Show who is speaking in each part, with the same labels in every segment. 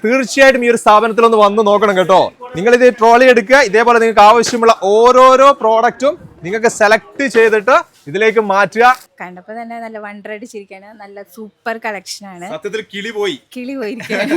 Speaker 1: തീർച്ചയായിട്ടും ഈ ഒരു സ്ഥാപനത്തിൽ ഒന്ന് വന്ന് നോക്കണം കേട്ടോ. നിങ്ങൾ ഇത് ട്രോളി എടുക്കുക, ഇതേപോലെ നിങ്ങൾക്ക് ആവശ്യമുള്ള ഓരോരോ പ്രോഡക്റ്റും നിങ്ങൾക്ക് സെലക്ട് ചെയ്തിട്ട് ഇതിലേക്ക് മാറ്റുക.
Speaker 2: കണ്ടപ്പോ തന്നെ നല്ല വണ്ടറടിച്ചിരിക്കാണ്. നല്ല സൂപ്പർ കളക്ഷൻ ആണ്.
Speaker 1: സത്യത്തിൽ കിളി
Speaker 2: പോയിരിക്കുകയാണ്.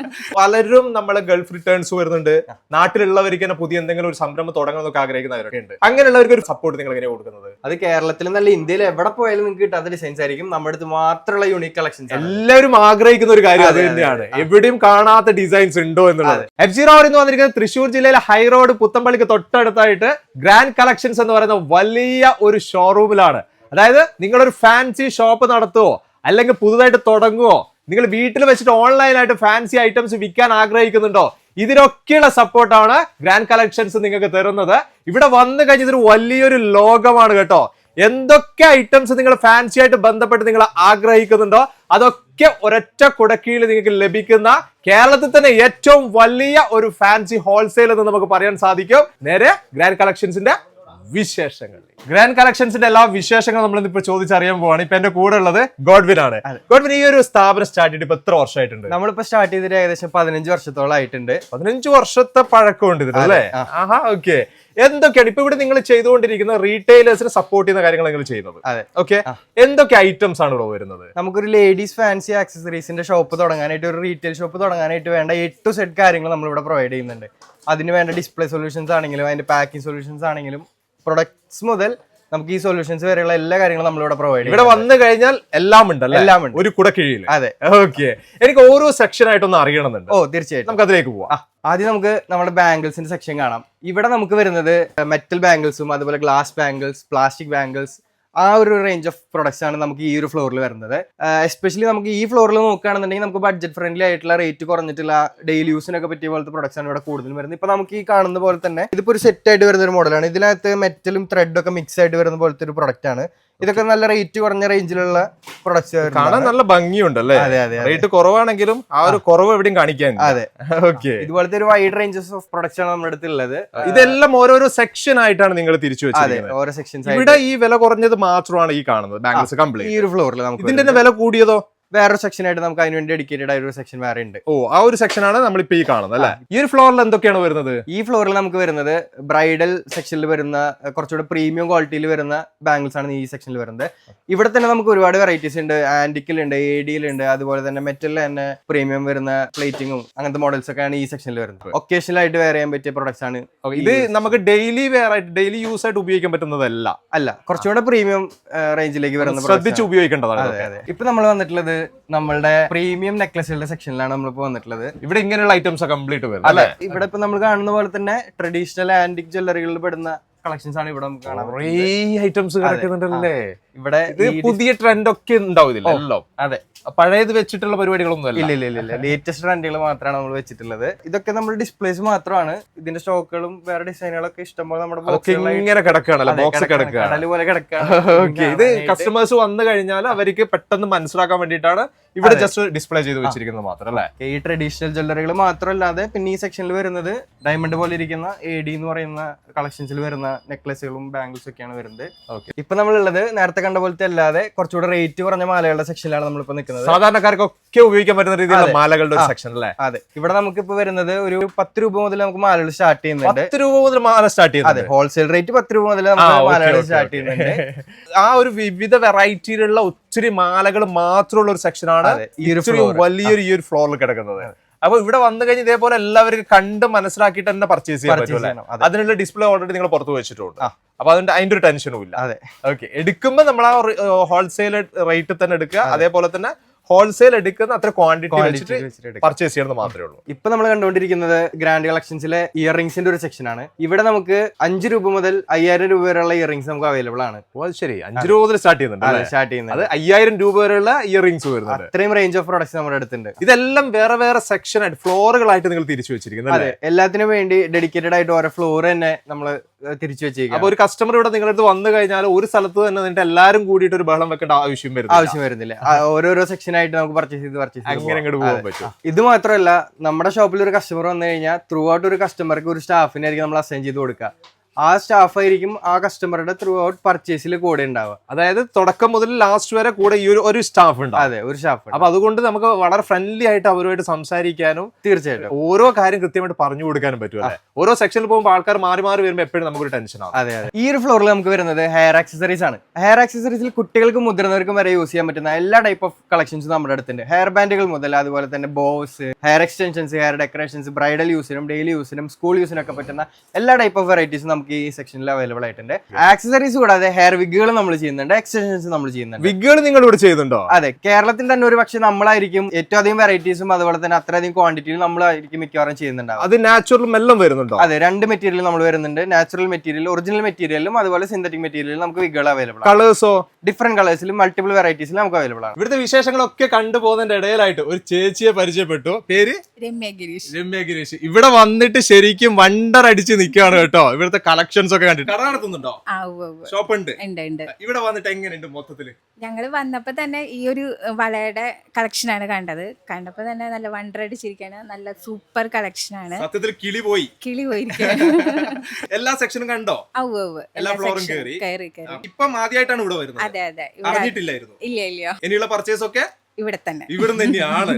Speaker 1: പലരും നമ്മളെ ഗൾഫ് റിട്ടേൺസ് വരുന്നുണ്ട്. നാട്ടിലുള്ളവർക്ക് തന്നെ പുതിയ എന്തെങ്കിലും ഒരു സംരംഭം തുടങ്ങണമെന്നൊക്കെ ആഗ്രഹിക്കുന്നവരൊക്കെ ഉണ്ട്. അങ്ങനെയുള്ളവർക്ക് ഒരു സപ്പോർട്ട് നിങ്ങൾ എങ്ങനെയാണ് കൊടുക്കുന്നത്?
Speaker 3: അത് കേരളത്തിൽ നല്ല ഇന്ത്യയിൽ എവിടെ പോയാലും നിങ്ങൾക്ക് കിട്ടാത്ത ഡിസൈൻസ് ആയിരിക്കും. നമ്മുടെ അടുത്ത് മാത്രമുള്ള യൂണിക് കളക്ഷൻസ്.
Speaker 1: എല്ലാവരും ആഗ്രഹിക്കുന്ന ഒരു കാര്യം അത് തന്നെയാണ്. എവിടെയും കാണാത്ത ഡിസൈൻസ് ഉണ്ടോ എന്നുള്ളത്. F0 എന്ന് വന്നിരിക്കുന്നത് തൃശ്ശൂർ ജില്ലയിലെ ഹൈറോഡ് പുത്തമ്പള്ളിക്ക് തൊട്ടടുത്തായിട്ട് ഗ്രാൻഡ് കളക്ഷൻസ് എന്ന് പറയുന്ന വലിയ ഒരു ഷോറൂമിലാണ്. അതായത് നിങ്ങളൊരു ഫാൻസി ഷോപ്പ് നടത്തുവോ അല്ലെങ്കിൽ പുതുതായിട്ട് തുടങ്ങുവോ, നിങ്ങൾ വീട്ടിൽ വെച്ചിട്ട് ഓൺലൈനായിട്ട് ഫാൻസി ഐറ്റംസ് വിൽക്കാൻ ആഗ്രഹിക്കുന്നുണ്ടോ, ഇതിനൊക്കെയുള്ള സപ്പോർട്ടാണ് ഗ്രാൻഡ് കളക്ഷൻസ് നിങ്ങൾക്ക് തരുന്നത്. ഇവിടെ വന്നു കഴിഞ്ഞ ഇതൊരു വലിയൊരു ലോകമാണ് കേട്ടോ. എന്തൊക്കെ ഐറ്റംസ് നിങ്ങൾ ഫാൻസി ആയിട്ട് ബന്ധപ്പെട്ട് നിങ്ങൾ ആഗ്രഹിക്കുന്നുണ്ടോ അതൊക്കെ ഒരൊറ്റ കുടക്കീഴിൽ നിങ്ങൾക്ക് ലഭിക്കുന്ന കേരളത്തിൽ തന്നെ ഏറ്റവും വലിയ ഒരു ഫാൻസി ഹോൾസെയിൽ എന്ന് നമുക്ക് പറയാൻ സാധിക്കും. നേരെ ഗ്രാൻഡ് കളക്ഷൻസിന്റെ വിശേഷങ്ങൾ, ഗ്രാൻഡ് കളക്ഷൻസിന്റെ എല്ലാ വിശേഷങ്ങളും നമ്മൾ ഇപ്പൊ ചോദിച്ചറിയാൻ പോവാണ്. ഇപ്പൊ എന്റെ കൂടെ ഉള്ളത് ഗോഡ്വിൻ ആണ്. ഗോഡ്വിൻ, ഈ ഒരു സ്ഥാപനം സ്റ്റാർട്ട് ചെയ്തിട്ട് ഇപ്പൊ എത്ര വർഷമായിട്ടുണ്ട്?
Speaker 3: നമ്മളിപ്പോ സ്റ്റാർട്ട് ചെയ്തിട്ട് ഏകദേശം 15 വർഷത്തോളം ആയിട്ടുണ്ട്.
Speaker 1: 15 വർഷത്തെ പഴക്കമുണ്ട് ഇതിന് അല്ലേ? ആഹാ, ഓക്കെ. എന്തൊക്കെയാണ് ഇപ്പൊ ഇവിടെ നിങ്ങൾ ചെയ്തുകൊണ്ടിരിക്കുന്ന റീറ്റെയിലേഴ്സിനെ സപ്പോർട്ട് ചെയ്യുന്ന കാര്യങ്ങൾ നിങ്ങൾ ചെയ്യുന്നത്?
Speaker 3: അതെ,
Speaker 1: ഓക്കെ. എന്തൊക്കെ ഐറ്റംസ് ആണ് ഇവിടെ വരുന്നത്?
Speaker 3: നമുക്കൊരു ലേഡീസ് ഫാൻസി ആക്സസറീസിന്റെ ഷോപ്പ് തുടങ്ങാനായിട്ട്, ഒരു റീറ്റെയിൽ ഷോപ്പ് തുടങ്ങാനായിട്ട് വേണ്ട A to Z കാര്യങ്ങൾ നമ്മൾ ഇവിടെ പ്രൊവൈഡ് ചെയ്യുന്നുണ്ട്. അതിന് വേണ്ട ഡിസ്പ്ലേ സൊല്യൂഷൻസ് ആണെങ്കിലും അതിന്റെ പാക്കിംഗ് സൊല്യൂഷൻസ് ആണെങ്കിലും പ്രൊഡക്ട്സ് മുതൽ നമുക്ക് ഈ സൊല്യൂഷൻസ് വരെയുള്ള എല്ലാ കാര്യങ്ങളും നമ്മളിവിടെ പ്രൊവൈഡ് ചെയ്യും.
Speaker 1: ഇവിടെ വന്നു കഴിഞ്ഞാൽ എല്ലാം ഉണ്ട്,
Speaker 3: എല്ലാം ഉണ്ട്
Speaker 1: ഒരു കുടക്കീഴിൽ.
Speaker 3: അതെ,
Speaker 1: ഓക്കെ. എനിക്ക് ഓരോ സെക്ഷൻ ആയിട്ടൊന്ന് അറിയണമെന്നുണ്ട്.
Speaker 3: തീർച്ചയായിട്ടും
Speaker 1: നമുക്ക് അതിലേക്ക് പോവാം.
Speaker 3: ആദ്യം നമുക്ക് നമ്മുടെ ബാംഗിൾസിന്റെ സെക്ഷൻ കാണാം. ഇവിടെ നമുക്ക് വരുന്നത് മെറ്റൽ ബാംഗിൾസും അതുപോലെ ഗ്ലാസ് ബാംഗിൾസ്, പ്ലാസ്റ്റിക് ബാംഗിൾസ്, ആ ഒരു റേഞ്ച് ഓഫ് പ്രൊഡക്ട്സ് ആണ് നമുക്ക് ഈ ഒരു ഫ്ലോറിൽ വരുന്നത്. എസ്പെഷ്യലി നമുക്ക് ഈ ഫ്ലോറിൽ നോക്കുകയാണെന്നുണ്ടെങ്കിൽ നമുക്ക് ബഡ്ജറ്റ് ഫ്രണ്ട്ലി ആയിട്ടുള്ള റേറ്റ് കുറഞ്ഞിട്ടുള്ള ഡെയിലി യൂസിനൊക്കെ പറ്റിയ പോലത്തെ പ്രൊഡക്ട്സ് ആണ് ഇവിടെ കൂടുതലും വരുന്നത്. ഇപ്പൊ നമുക്ക് ഈ കാണുന്ന പോലെ തന്നെ ഇതിപ്പോ ഒരു സെറ്റ് ആയിട്ട് വരുന്ന ഒരു മോഡലാണ്. ഇതിനകത്ത് മെറ്റലും ത്രെഡും ഒക്കെ മിക്സ് ആയിട്ട് വരുന്ന പോലത്തെ ഒരു പ്രൊഡക്റ്റ് ആണ്. ഇതൊക്കെ നല്ല റേറ്റ് കുറഞ്ഞ റേഞ്ചിലുള്ള പ്രൊഡക്ട്സ്
Speaker 1: കാണാൻ നല്ല ഭംഗിയുണ്ടല്ലേ? റേറ്റ് കുറവാണെങ്കിലും ആ ഒരു കുറവ് എവിടെയും കാണിക്കാൻ.
Speaker 3: അതെ, ഓക്കെ. ഇതുപോലത്തെ ഒരു വൈഡ് റേഞ്ചസ് ഓഫ് പ്രൊഡക്ട്സ് ആണ് നമ്മുടെ അടുത്തുള്ളത്.
Speaker 1: ഇതെല്ലാം ഓരോരോ സെക്ഷൻ ആയിട്ടാണ് നിങ്ങൾ തിരിച്ചു വെച്ചത്.
Speaker 3: ഓരോ സെക്ഷൻസ്.
Speaker 1: ഇവിടെ ഈ വില കുറഞ്ഞത് മാത്രമാണ് ഈ കാണുന്നത് ബാംഗിൾസ് കംപ്ലീറ്റ്.
Speaker 3: ഈ ഒരു ഫ്ലോറിൽ നമുക്ക്
Speaker 1: ഇതിന്റെ വില കൂടിയതോ?
Speaker 3: വേറൊരു സെക്ഷൻ ആയിട്ട് നമുക്ക് അതിന് വേണ്ടി ഡെഡിക്കേറ്റഡ് ആയ ഒരു സെക്ഷൻ വേറെ ഉണ്ട്.
Speaker 1: ആ ഒരു സെക്ഷൻ ആണ് നമ്മളിപ്പോ ഈ കാണുന്നത് അല്ലെ? ഈ ഒരു ഫ്ലോറിൽ എന്തൊക്കെയാണ് വരുന്നത്?
Speaker 3: ഈ ഫ്ലോറിൽ നമുക്ക് വരുന്നത് ബ്രൈഡൽ സെക്ഷനിൽ വരുന്ന കുറച്ചുകൂടെ പ്രീമിയം ക്വാളിറ്റിയിൽ വരുന്ന ബാംഗിൾസ് ആണ് ഈ സെക്ഷനിൽ വരുന്നത്. ഇവിടെ തന്നെ നമുക്ക് ഒരുപാട് വെറൈറ്റീസ് ഉണ്ട്. ആന്റിക്കിലുണ്ട്, AD-ലുണ്ട്, അതുപോലെ തന്നെ മെറ്റലിൽ തന്നെ പ്രീമിയം വരുന്ന പ്ലേറ്റിങ്ങും അങ്ങനത്തെ മോഡൽസ് ഒക്കെയാണ് ഈ സെക്ഷനിൽ വരുന്നത്. ഒക്കേഷണൽ ആയിട്ട് വെയർ ചെയ്യാൻ പറ്റിയ പ്രൊഡക്ട്സ് ആണ്.
Speaker 1: ഇത് നമുക്ക് ഡെയിലി വെയർ ആയിട്ട് ഡെയിലി യൂസ് ആയിട്ട് ഉപയോഗിക്കാൻ പറ്റുന്നതല്ല,
Speaker 3: കുറച്ചുകൂടെ പ്രീമിയം റേഞ്ചിലേക്ക് വരുന്ന
Speaker 1: ശ്രദ്ധിച്ച് ഉപയോഗിക്കേണ്ടതാണ്.
Speaker 3: അതെ. ഇപ്പൊ നമ്മൾ വന്നിട്ടുള്ളത് നമ്മളുടെ പ്രീമിയം നെക്ലസുകളുടെ സെക്ഷനിലാണ് നമ്മളിപ്പോ വന്നിട്ടുള്ളത്.
Speaker 1: ഇവിടെ ഇങ്ങനെയുള്ള ഐറ്റംസ് കംപ്ലീറ്റ് വരും.
Speaker 3: അല്ലെ, ഇവിടെ ഇപ്പൊ നമ്മൾ കാണുന്ന പോലെ തന്നെ ട്രഡീഷണൽ ആന്റിക് ജ്വല്ലറികളിൽ പെടുന്ന കളക്ഷൻസ് ആണ് ഇവിടെ നമുക്ക് കാണാം.
Speaker 1: ഐറ്റംസ് കിടക്കുന്നുണ്ടല്ലേ
Speaker 3: ഇവിടെ?
Speaker 1: പുതിയ ട്രെൻഡ് ഒക്കെ ഉണ്ടാവും ഇതിലെല്ലാം.
Speaker 3: അതെ,
Speaker 1: പഴയത് വെച്ചിട്ടുള്ള പരിപാടികളൊന്നും
Speaker 3: ഇല്ല. ലേറ്റസ്റ്റ് ട്രെൻഡുകൾ മാത്രമാണ് നമ്മൾ വെച്ചിട്ടുള്ളത്. ഇതൊക്കെ നമ്മൾ ഡിസ്പ്ലേസ് മാത്രമാണ്. ഇതിന്റെ സ്റ്റോക്കുകളും വേറെ ഡിസൈനുകളൊക്കെ ഇഷ്ടംപോലെ നമ്മുടെ
Speaker 1: ഇങ്ങനെ കിടക്കുകയാണല്ലേ, ബോക്സ് കിടക്കുകയാണ്. ഇത് കസ്റ്റമേഴ്സ് വന്നു കഴിഞ്ഞാൽ അവർക്ക് പെട്ടെന്ന് മനസ്സിലാക്കാൻ വേണ്ടിയിട്ടാണ് ഇവിടെ ജസ്റ്റ് ഡിസ്പ്ലേ ചെയ്ത് വെച്ചിരിക്കുന്നത് മാത്രം അല്ലേ?
Speaker 3: ഈ ട്രഡീഷണൽ ജ്വല്ലറികൾ മാത്രമല്ലാതെ പിന്നെ ഈ സെക്ഷനിൽ വരുന്നത് ഡയമണ്ട് പോലെ ഇരിക്കുന്ന AD എന്ന് പറയുന്ന കളക്ഷൻസിൽ വരുന്ന നെക്ലസുകളും ബാംഗിൾസും ഒക്കെയാണ് വരുന്നത്. ഇപ്പൊ നമ്മളുള്ളത് നേരത്തെ കണ്ട പോലത്തെ അല്ലാതെ കുറച്ചുകൂടെ റേറ്റ് കുറഞ്ഞ മാലകളുടെ സെക്ഷനിലാണ് നമ്മളിപ്പോ നിൽക്കുന്നത്.
Speaker 1: സാധാരണക്കാർക്കൊക്കെ ഉപയോഗിക്കാൻ പറ്റുന്ന രീതിയിലുള്ള മാലകളുടെ ഒരു സെക്ഷൻ അല്ലേ?
Speaker 3: അതെ, ഇവിടെ നമുക്ക് ഇപ്പൊ വരുന്നത് ഒരു 10 രൂപ മുതൽ നമുക്ക് മാലകൾ സ്റ്റാർട്ട് ചെയ്യുന്നുണ്ട്.
Speaker 1: 10 രൂപ മുതൽ മാല സ്റ്റാർട്ട് ചെയ്യുന്നത്?
Speaker 3: അതെ, ഹോൾസെയിൽ റേറ്റ് 10 രൂപ മുതൽ നമുക്ക് മാലകൾ സ്റ്റാർട്ട് ചെയ്യുന്നുണ്ട്.
Speaker 1: ആ ഒരു വിവിധ വെറൈറ്റിയിലുള്ള ഒത്തിരി മാലകൾ മാത്രമുള്ള ഒരു സെക്ഷനാണ് വലിയൊരു ഈ ഒരു ഫ്ലോറിൽ കിടക്കുന്നത്. അപ്പൊ ഇവിടെ വന്നു കഴിഞ്ഞ് ഇതേപോലെ എല്ലാവരും കണ്ട് മനസ്സിലാക്കിയിട്ട് തന്നെ പർച്ചേസ് ചെയ്യാൻ പറ്റും. അതിനുള്ള ഡിസ്പ്ലേ ഓൾറെഡി നിങ്ങൾ പുറത്ത് വെച്ചിട്ടുണ്ട്. അപ്പൊ അതിന്റെ ഒരു ടെൻഷനും ഇല്ല.
Speaker 3: അതെ,
Speaker 1: ഓക്കെ. എടുക്കുമ്പോൾ നമ്മൾ ആ ഹോൾസെയിൽ റേറ്റ് തന്നെ എടുക്കുക. അതേപോലെ തന്നെ ഹോൾസെയിൽ എടുക്കുന്ന അത്ര ക്വാണ്ടിറ്റി വെച്ചിട്ട് പർച്ചേസ് ചെയ്യുന്നത് മാത്രമേ ഉള്ളൂ.
Speaker 3: ഇപ്പൊ നമ്മൾ കണ്ടുകൊണ്ടിരിക്കുന്നത് ഗ്രാൻഡ് കളക്ഷൻസിലെ ഇയർ റിംഗ്സിന്റെ ഒരു സെക്ഷൻ ആണ്. ഇവിടെ നമുക്ക് 5 രൂപ മുതൽ 5000 രൂപ വരെയുള്ള ഇയർ റിംഗ്സ് നമുക്ക് അവൈലബിൾ ആണ്.
Speaker 1: ശരി, 5 രൂപ മുതൽ സ്റ്റാർട്ട് ചെയ്യുന്നുണ്ട്. അത് 5000 രൂപ വരെയുള്ള ഇയർ റിംഗ്സ് വരുന്നത്.
Speaker 3: അത്രയും റേഞ്ച് ഓഫ് പ്രൊഡക്ട്സ് നമ്മുടെ അടുത്തുണ്ട്.
Speaker 1: ഇതെല്ലാം വേറെ വേറെ സെക്ഷൻ ആയിട്ട് ഫ്ലോറുകളായിട്ട് നിങ്ങൾ തിരിച്ചു വെച്ചിരിക്കുന്നത്.
Speaker 3: അതെ, എല്ലാത്തിനും വേണ്ടി ഡെഡിക്കേറ്റഡ് ആയിട്ട് ഓരോ ഫ്ലോർ തന്നെ നമ്മൾ തിരിച്ചു വെച്ചേക്കും.
Speaker 1: അപ്പൊ ഒരു കസ്റ്റമർ ഇവിടെ നിങ്ങളുടെ അടുത്ത് വന്നു കഴിഞ്ഞാൽ ഒരു സ്ഥലത്ത് തന്നെ നിന്നിട്ട് എല്ലാവരും കൂടിയിട്ട് ഒരു ബഹളം വെക്കേണ്ട ആവശ്യം
Speaker 3: വരുന്നില്ല. ഓരോരോ സെക്ഷൻ ആയിട്ട് നമുക്ക് പർച്ചേസ് ചെയ്ത്
Speaker 1: അങ്ങനെ അങ്ങോട്ട് പോകാൻ പറ്റും.
Speaker 3: ഇത് മാത്രമല്ല, നമ്മുടെ ഷോപ്പിൽ ഒരു കസ്റ്റമർ വന്നു കഴിഞ്ഞാൽ ത്രൂ ഔട്ട് ഒരു കസ്റ്റമർക്ക് ഒരു സ്റ്റാഫിനായിരിക്കും നമ്മൾ അസൈൻ ചെയ്ത് കൊടുക്കുക. ആ സ്റ്റാഫ് ആയിരിക്കും ആ കസ്റ്റമറുടെ ത്രൂ ഔട്ട് പർച്ചേസിൽ കൂടെ ഉണ്ടാവുക.
Speaker 1: അതായത് തുടക്കം മുതൽ ലാസ്റ്റ് വരെ കൂടെ ഈ ഒരു സ്റ്റാഫ് ഉണ്ട്.
Speaker 3: അതെ, ഒരു സ്റ്റാഫ്.
Speaker 1: അപ്പൊ അതുകൊണ്ട് നമുക്ക് വളരെ ഫ്രണ്ട്ലി ആയിട്ട് അവരുമായിട്ട് സംസാരിക്കാനും
Speaker 3: തീർച്ചയായിട്ടും
Speaker 1: ഓരോ കാര്യം കൃത്യമായിട്ട് പറഞ്ഞു കൊടുക്കാനും പറ്റും അല്ലേ? ഓരോ സെക്ഷനിൽ പോകുമ്പോൾ ആൾക്കാർ മാറി മാറി വരുമ്പോൾ എപ്പോഴും നമുക്കൊരു ടെൻഷൻ ആവും.
Speaker 3: അതെ. ഈ ഒരു ഫ്ലോറിൽ നമുക്ക് വരുന്നത് ഹെയർ ആക്സസറീസ് ആണ്. ഹെയർ ആക്സസറീസിൽ കുട്ടികൾക്കും മുതിർന്നവർക്കും വരെ യൂസ് ചെയ്യാൻ പറ്റുന്ന എല്ലാ ടൈപ്പ് ഓഫ് കളക്ഷൻസും നമ്മുടെ അടുത്തുണ്ട്. ഹെയർ ബാൻഡുകൾ മുതൽ അതുപോലെ തന്നെ bows, hair extensions, hair decorations, bridal യൂസിനും ഡെയിലി യൂസിനും സ്കൂൾ യൂസിനും ഒക്കെ പറ്റുന്ന എല്ലാ ടൈപ്പ് ഓഫ് വെറൈറ്റീസും നമുക്ക് ഈ സെക്ഷനിൽ അവൈലബിൾ ആയിട്ടുണ്ട്. ആക്സസറീസ് കൂടാതെ ഹെയർ വിഗുകൾ നമ്മൾ ചെയ്യുന്നുണ്ട്, എക്സ്റ്റൻഷൻസ് നമ്മൾ ചെയ്യുന്നുണ്ട്.
Speaker 1: വിഗുകൾ നിങ്ങൾ ഇവിടെ ചെയ്യുന്നുണ്ടോ?
Speaker 3: അതെ, കേരളത്തിൽ തന്നെ ഒരു പക്ഷേ നമ്മളായിരിക്കും ഏറ്റവും അധികം വെറൈറ്റീസും അതുപോലെ തന്നെ അത്രയധികം ക്വാണ്ടിറ്റിയിൽ നമ്മളായിരിക്കും മിക്കവാറും ചെയ്യുന്നുണ്ടാവും.
Speaker 1: അത് നാച്ചുറൽ എല്ലാം വരുന്നുണ്ടോ?
Speaker 3: അതെ, രണ്ട് മെറ്റീരിയൽ നമ്മൾ വരുന്നുണ്ട്. നാച്ചുറൽ മെറ്റീരിയൽ, ഒറിജിനൽ മെറ്റീരിയലും അതുപോലെ സിന്തറ്റിക് മെറ്റീരിയലും നമുക്ക് വിഗുകൾ അവൈലബിൾ ആണ്.
Speaker 1: കളേഴ്സോ?
Speaker 3: ഡിഫറെന്റ് കളേഴ്സിലും മൾട്ടിപ്പിൾ വെറൈറ്റീസിലും നമുക്ക് അവൈലബിൾ ആണ്.
Speaker 1: ഇവിടുത്തെ വിശേഷങ്ങളൊക്കെ കണ്ടുപോകുന്നതിന്റെ ഇടയിലായിട്ട് ഒരു ചേച്ചിയെ പരിചയപ്പെട്ടു. പേര്
Speaker 2: രമ്യ ഗിരീഷ്.
Speaker 1: രമ്യ ഗിരീഷ്. ഇവിടെ വന്നിട്ട് ശരിക്കും വണ്ടർ അടിച്ച് നിൽക്കുകയാണ് കേട്ടോ. ഇവിടുത്തെ കളക്ഷൻസ് ഒക്കെ കണ്ടിട്ട്. കട നടത്തുന്നുണ്ടോ? ഷോപ്പ് ഉണ്ട്. ഇവിടെ വന്നിട്ട് എങ്ങനെയുണ്ട് മൊത്തത്തില്?
Speaker 2: ഞങ്ങള് വന്നപ്പോ തന്നെ ഈ ഒരു വളയുടെ കളക്ഷനാണ് കണ്ടപ്പോ തന്നെ നല്ല വണ്ടർ അടിച്ചിരിക്കാണ്. നല്ല സൂപ്പർ കളക്ഷനാണ്.
Speaker 1: സത്യത്തിൽ കിളി പോയിരിക്കുകയാണ്. എല്ലാ സെക്ഷനും കണ്ടോ? എല്ലാ ഫ്ലോറും കയറി. ഇപ്പം ആദ്യമായിട്ടാണ് ഇവിടെ വരുന്നത്.
Speaker 2: അതെ.
Speaker 1: അറിഞ്ഞിട്ടില്ലായിരുന്നു.
Speaker 2: ഇല്ല.
Speaker 1: ഇനിയുള്ള പർച്ചേസ് ഒക്കെ
Speaker 2: ഇവിടെ
Speaker 1: തന്നെയാണ്.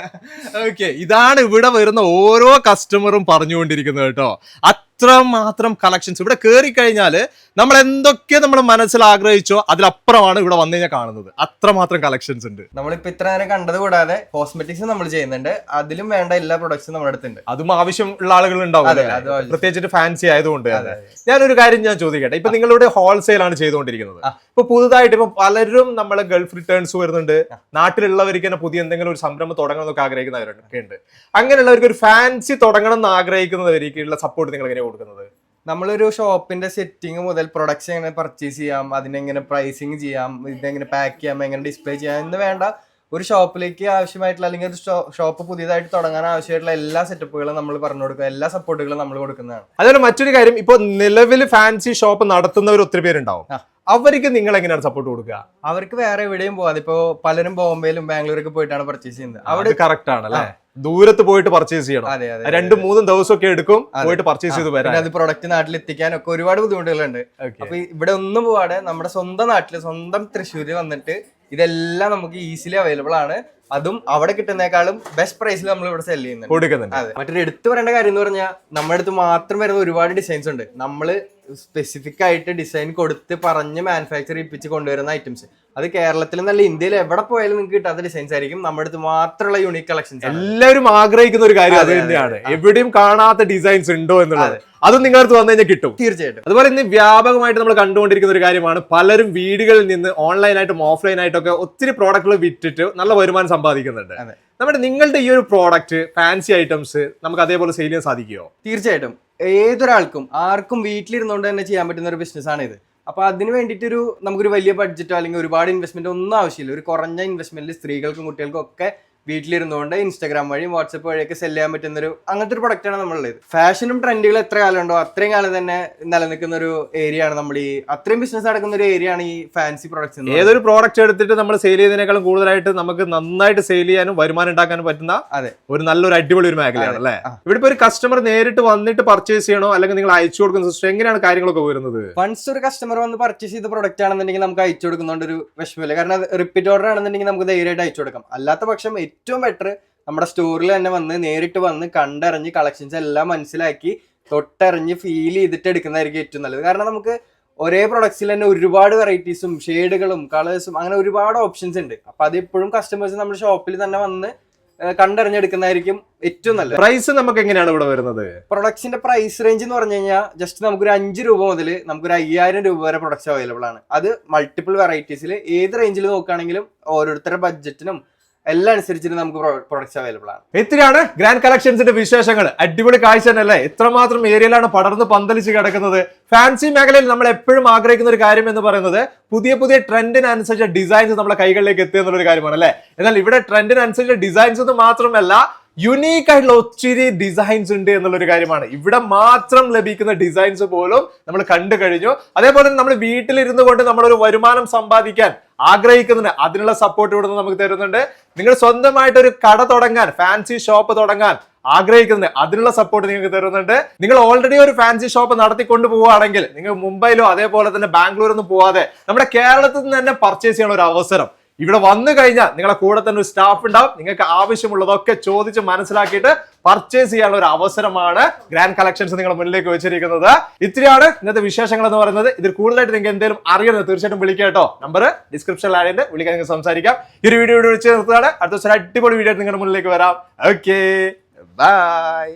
Speaker 1: ഓക്കെ, ഇതാണ് ഇവിടെ വരുന്ന ഓരോ കസ്റ്റമറും പറഞ്ഞുകൊണ്ടിരിക്കുന്നത് കേട്ടോ. അത്രമാത്രം കളക്ഷൻസ് ഇവിടെ കയറി കഴിഞ്ഞാല് നമ്മൾ എന്തൊക്കെ നമ്മൾ മനസ്സിൽ ആഗ്രഹിച്ചോ അതിലപ്പുറമാണ് ഇവിടെ വന്നു കഴിഞ്ഞാൽ കാണുന്നത്. അത്രമാത്രം കളക്ഷൻസ് ഉണ്ട്.
Speaker 3: നമ്മളിപ്പോ ഇത്ര നേരം കണ്ടത് കൂടാതെ കോസ്മെറ്റിക്സ് നമ്മൾ ചെയ്യുന്നുണ്ട്. അതിലും വേണ്ട എല്ലാ പ്രൊഡക്ട്സും നമ്മുടെ അടുത്തുണ്ട്.
Speaker 1: അതും ആവശ്യമുള്ള ആളുകൾ ഉണ്ടാവും, പ്രത്യേകിച്ചിട്ട് ഫാൻസി ആയതുകൊണ്ട്. ഞാനൊരു കാര്യം ഞാൻ ചോദിക്കട്ടെ, ഇപ്പൊ നിങ്ങളുടെ ഹോൾസെയിൽ ആണ് ചെയ്തുകൊണ്ടിരിക്കുന്നത്. ഇപ്പൊ പുതുതായിട്ട് ഇപ്പൊ പലരും നമ്മളെ ഗൾഫ് റിട്ടേൺസ് വരുന്നുണ്ട്. നാട്ടിലുള്ളവർക്ക് തന്നെ പുതിയ എന്തെങ്കിലും ഒരു സംരംഭം തുടങ്ങണം എന്നൊക്കെ ആഗ്രഹിക്കുന്നവരൊക്കെ ഉണ്ട്. അങ്ങനെയുള്ളവർക്ക് ഒരു ഫാൻസി തുടങ്ങണം എന്ന് ആഗ്രഹിക്കുന്നവരിക്കുള്ള സപ്പോർട്ട് നിങ്ങൾ എങ്ങനെ കൊടുക്കുന്നത്?
Speaker 3: നമ്മളൊരു ഷോപ്പിന്റെ സെറ്റിംഗ് മുതൽ പ്രൊഡക്ട്സ് എങ്ങനെ പർച്ചേസ് ചെയ്യാം, അതിനെങ്ങനെ പ്രൈസിങ് ചെയ്യാം, ഇതെങ്ങനെ പാക്ക് ചെയ്യാം, എങ്ങനെ ഡിസ്പ്ലേ ചെയ്യാം എന്ന് വേണ്ട ഒരു ഷോപ്പിലേക്ക് ആവശ്യമായിട്ടുള്ള അല്ലെങ്കിൽ ഒരു ഷോപ്പ് പുതിയതായിട്ട് തുടങ്ങാൻ ആവശ്യമായിട്ടുള്ള എല്ലാ സെറ്റപ്പുകളും നമ്മൾ പറഞ്ഞു കൊടുക്കുക, എല്ലാ സപ്പോർട്ടുകളും നമ്മൾ കൊടുക്കുന്നതാണ്.
Speaker 1: അതുപോലെ മറ്റൊരു കാര്യം, ഇപ്പൊ നിലവിൽ ഫാൻസി ഷോപ്പ് നടത്തുന്നവർ ഒത്തിരി പേരുണ്ടാവും. അവർക്ക് നിങ്ങൾ എങ്ങനെയാണ് സപ്പോർട്ട് കൊടുക്കുക?
Speaker 3: അവർക്ക് വേറെ എവിടെയും പോകാതെ ഇപ്പൊ പലരും ബോംബെയിലും ബാംഗ്ലൂരൊക്കെ പോയിട്ടാണ് പർച്ചേസ് ചെയ്യുന്നത്. അവിടെ
Speaker 1: കറക്റ്റ് ആണ് അല്ലെ? ദൂരത്ത് പോയിട്ട് പർച്ചേസ് ചെയ്യണം. 2-3 ദിവസമൊക്കെ എടുക്കും പോയിട്ട് പർച്ചേസ് ചെയ്ത് വരാൻ.
Speaker 3: അത് പ്രൊഡക്റ്റ് നാട്ടിൽ എത്തിക്കാനൊക്കെ ഒരുപാട് ബുദ്ധിമുട്ടുകളുണ്ട്. അപ്പൊ ഇവിടെ ഒന്നും പോവാതെ നമ്മുടെ സ്വന്തം നാട്ടില് സ്വന്തം തൃശ്ശൂരിൽ വന്നിട്ട് ഇതെല്ലാം നമുക്ക് ഈസിലി അവൈലബിൾ ആണ്. അതും അവിടെ കിട്ടുന്നേക്കാളും ബെസ്റ്റ് പ്രൈസിൽ നമ്മൾ ഇവിടെ സെല് ചെയ്യുന്നുണ്ട്. അതെ, മറ്റൊരു എടുത്തു പറയേണ്ട കാര്യം എന്ന് പറഞ്ഞാൽ നമ്മുടെ അടുത്ത് മാത്രം വരുന്ന ഒരുപാട് ഡിസൈൻസ് ഉണ്ട്. നമ്മള് സ്പെസിഫിക് ആയിട്ട് ഡിസൈൻ കൊടുത്ത് പറഞ്ഞ് മാനുഫാക്ചർ ചെയ്യിപ്പിച്ച് കൊണ്ടുവരുന്ന ഐറ്റംസ്. അത് കേരളത്തിൽ നല്ല ഇന്ത്യയിൽ എവിടെ പോയാലും നിങ്ങൾക്ക് കിട്ടാത്ത ഡിസൈൻസ് ആയിരിക്കും. നമ്മുടെ അടുത്ത് മാത്രമുള്ള യൂണിക് കളക്ഷൻസ്.
Speaker 1: എല്ലാവരും ആഗ്രഹിക്കുന്ന ഒരു കാര്യം അത് തന്നെയാണ്. എവിടെയും കാണാത്ത ഡിസൈൻസ് ഉണ്ടോ എന്നുള്ളത്. അതും നിങ്ങളുടെ അടുത്ത് വന്നു കഴിഞ്ഞാൽ കിട്ടും.
Speaker 3: തീർച്ചയായിട്ടും.
Speaker 1: അതുപോലെ ഇന്ന് വ്യാപകമായിട്ട് നമ്മൾ കണ്ടുകൊണ്ടിരിക്കുന്ന ഒരു കാര്യമാണ്, പലരും വീടുകളിൽ നിന്ന് ഓൺലൈനായിട്ടും ഓഫ്ലൈൻ ആയിട്ടൊക്കെ ഒത്തിരി പ്രോഡക്റ്റുകൾ വിറ്റിട്ട് നല്ല വരുമാനം സമ്പാദിക്കുന്നുണ്ട്. നിങ്ങളുടെ ഈ ഒരു പ്രോഡക്റ്റ് ഫാൻസി ഐറ്റംസ് നമുക്ക് അതേപോലെ സെയിൽ ചെയ്യാൻ സാധിക്കുമോ?
Speaker 3: തീർച്ചയായിട്ടും. ഏതൊരാൾക്കും ആർക്കും വീട്ടിലിരുന്നുകൊണ്ട് തന്നെ ചെയ്യാൻ പറ്റുന്ന ഒരു ബിസിനസ് ആണ് ഇത്. അപ്പൊ അതിന് വേണ്ടിയിട്ടൊരു നമുക്കൊരു വലിയ ബഡ്ജറ്റോ അല്ലെങ്കിൽ ഒരുപാട് ഇൻവെസ്റ്റ്മെന്റ് ഒന്നും ആവശ്യമില്ല. ഒരു കുറഞ്ഞ ഇൻവെസ്റ്റ്മെന്റിൽ സ്ത്രീകൾക്കും കുട്ടികൾക്കും ഒക്കെ വീട്ടിലിരുന്നുകൊണ്ട് ഇൻസ്റ്റാഗ്രാം വഴിയും വാട്സപ്പ് വഴിയൊക്കെ സെല് ചെയ്യാൻ പറ്റുന്ന അങ്ങനത്തെ ഒരു പ്രൊഡക്റ്റാണ് നമ്മളുള്ളത്. ഫാഷനും ട്രെൻഡുകൾ എത്ര കാലം ഉണ്ടോ അത്രയും കാലം തന്നെ നിലനിൽക്കുന്ന ഒരു ഏരിയ ആണ് നമ്മൾ അത്രയും ബിസിനസ് നടക്കുന്ന ഒരു ഏരിയ ആണ് ഈ ഫാൻസി പ്രൊഡക്ട്സ്.
Speaker 1: ഏതൊരു പ്രോഡക്റ്റ് എടുത്തിട്ട് നമ്മൾ സെയിൽ ചെയ്യുന്നതിനേക്കാളും കൂടുതലായിട്ട് നമുക്ക് നന്നായിട്ട് സെയിൽ ചെയ്യാനും വരുമാനം ഉണ്ടാക്കാനും പറ്റുന്ന ഒരു നല്ലൊരു അടിപൊളി ഒരു മേഖലയാണ് അല്ലേ? ഇവിടെ ഇപ്പൊ ഒരു കസ്റ്റമർ നേരിട്ട് വന്നിട്ട് പർച്ചേസ് ചെയ്യണോ അല്ലെങ്കിൽ നിങ്ങൾ അയച്ചു കൊടുക്കുന്ന സിസ്റ്റം എങ്ങനെയാണ് കാര്യങ്ങളൊക്കെ വരുന്നത്?
Speaker 3: വൺസ് ഒരു കസ്റ്റമർ വന്ന് പർച്ചേസ് ചെയ്ത പ്രൊഡക്റ്റ് ആണെന്നുണ്ടെങ്കിൽ നമുക്ക് അയച്ചു കൊടുക്കുന്നതുകൊണ്ട് ഒരു വിഷമമില്ല. കാരണം അത് റിപ്പീറ്റ് ഓർഡർ ആണെന്നുണ്ടെങ്കിൽ നമുക്ക് ധൈര്യമായിട്ട് അയച്ചു കൊടുക്കാം. അല്ലാത്ത പക്ഷം ഏറ്റവും ബെറ്റർ നമ്മുടെ സ്റ്റോറിൽ തന്നെ വന്ന് നേരിട്ട് വന്ന് കണ്ടറിഞ്ഞ് കളക്ഷൻസ് എല്ലാം മനസ്സിലാക്കി തൊട്ടറിഞ്ഞ് ഫീൽ ചെയ്തിട്ട് എടുക്കുന്നതായിരിക്കും ഏറ്റവും നല്ലത്. കാരണം നമുക്ക് ഒരേ പ്രൊഡക്ട്സിൽ തന്നെ ഒരുപാട് വെറൈറ്റീസും ഷെയ്ഡുകളും കളേഴ്സും അങ്ങനെ ഒരുപാട് ഓപ്ഷൻസ് ഉണ്ട്. അപ്പൊ അതെപ്പോഴും കസ്റ്റമേഴ്സ് നമ്മുടെ ഷോപ്പിൽ തന്നെ വന്ന് കണ്ടറിഞ്ഞെടുക്കുന്നതായിരിക്കും ഏറ്റവും നല്ലത്.
Speaker 1: പ്രൈസ് നമുക്ക് എങ്ങനെയാണ് ഇവിടെ വരുന്നത്?
Speaker 3: പ്രൊഡക്ട്സിന്റെ പ്രൈസ് റേഞ്ച് എന്ന് പറഞ്ഞു കഴിഞ്ഞാൽ ജസ്റ്റ് നമുക്കൊരു 5 രൂപ മുതൽ നമുക്കൊരു 5000 രൂപ വരെ പ്രൊഡക്ട്സ് അവൈലബിൾ ആണ്. അത് മൾട്ടിപ്പിൾ വെറൈറ്റീസിൽ ഏത് റേഞ്ചിൽ നോക്കുകയാണെങ്കിലും ഓരോരുത്തരുടെ ബഡ്ജറ്റിനും എല്ലാം അനുസരിച്ചിട്ട് നമുക്ക് പ്രൊഡക്ട്സ് അവൈലബിൾ ആണ്.
Speaker 1: ഇത്രയാണ് ഗ്രാൻഡ് കളക്ഷൻസിന്റെ വിശേഷങ്ങൾ. അടിപൊളി കാഴ്ച തന്നെയല്ലേ? എത്രമാത്രം ഏരിയയിലാണ് പടർന്ന് പന്തലിച്ച് കിടക്കുന്നത്. ഫാൻസി മേഖലയിൽ നമ്മൾ എപ്പോഴും ആഗ്രഹിക്കുന്ന ഒരു കാര്യം എന്ന് പറയുന്നത് പുതിയ പുതിയ ട്രെൻഡിനനുസരിച്ച ഡിസൈൻസ് നമ്മുടെ കൈകളിലേക്ക് എത്തുക എന്നുള്ളൊരു കാര്യമാണ് അല്ലെ? എന്നാൽ ഇവിടെ ട്രെൻഡിനനുസരിച്ച ഡിസൈൻസ് ഒന്നും മാത്രമല്ല, യുണീക്ക് ആയിട്ടുള്ള ഒത്തിരി ഡിസൈൻസ് ഉണ്ട് എന്നുള്ളൊരു കാര്യമാണ്. ഇവിടെ മാത്രം ലഭിക്കുന്ന ഡിസൈൻസ് പോലും നമ്മൾ കണ്ടു കഴിഞ്ഞു. അതേപോലെ നമ്മൾ വീട്ടിലിരുന്നു കൊണ്ട് നമ്മളൊരു വരുമാനം സമ്പാദിക്കാൻ ആഗ്രഹിക്കുന്നുണ്ട്, അതിനുള്ള സപ്പോർട്ട് ഇവിടെ നിന്ന് നമുക്ക് തരുന്നുണ്ട്. നിങ്ങൾ സ്വന്തമായിട്ട് ഒരു കട തുടങ്ങാൻ, ഫാൻസി ഷോപ്പ് തുടങ്ങാൻ ആഗ്രഹിക്കുന്നുണ്ട്, അതിനുള്ള സപ്പോർട്ട് നിങ്ങൾക്ക് തരുന്നുണ്ട്. നിങ്ങൾ ഓൾറെഡി ഒരു ഫാൻസി ഷോപ്പ് നടത്തിക്കൊണ്ട് പോവുകയാണെങ്കിൽ നിങ്ങൾ മുംബൈയിലോ അതേപോലെ തന്നെ ബാംഗ്ലൂരൊന്നും പോവാതെ നമ്മുടെ കേരളത്തിൽ നിന്ന് തന്നെ പർച്ചേസ് ചെയ്യാനുള്ള ഒരു അവസരം ഇവിടെ വന്നു കഴിഞ്ഞാൽ നിങ്ങളെ കൂടെ തന്നെ ഒരു സ്റ്റാഫ് ഉണ്ടാവും. നിങ്ങൾക്ക് ആവശ്യമുള്ളതൊക്കെ ചോദിച്ച് മനസ്സിലാക്കിയിട്ട് പർച്ചേസ് ചെയ്യാനുള്ള ഒരു അവസരമാണ് ഗ്രാൻഡ് കളക്ഷൻസ് നിങ്ങളുടെ മുന്നിലേക്ക് വെച്ചിരിക്കുന്നത്. ഇത്രയാണ് ഇന്നത്തെ വിശേഷങ്ങൾ എന്ന് പറയുന്നത്. ഇതിൽ കൂടുതലായിട്ട് നിങ്ങൾക്ക് എന്തെങ്കിലും അറിയണം തീർച്ചയായിട്ടും വിളിക്കാം കേട്ടോ. നമ്പർ ഡിസ്ക്രിപ്ഷനിൽ ആയിട്ട് വിളിക്കാൻ നിങ്ങൾക്ക് സംസാരിക്കാം. ഈ ഒരു വീഡിയോ ഇവിടെ വെച്ച് നിർത്തുകയാണ്. അടുത്ത ദിവസം അടിപൊളി വീഡിയോ നിങ്ങളുടെ മുന്നിലേക്ക് വരാം. Okay, by.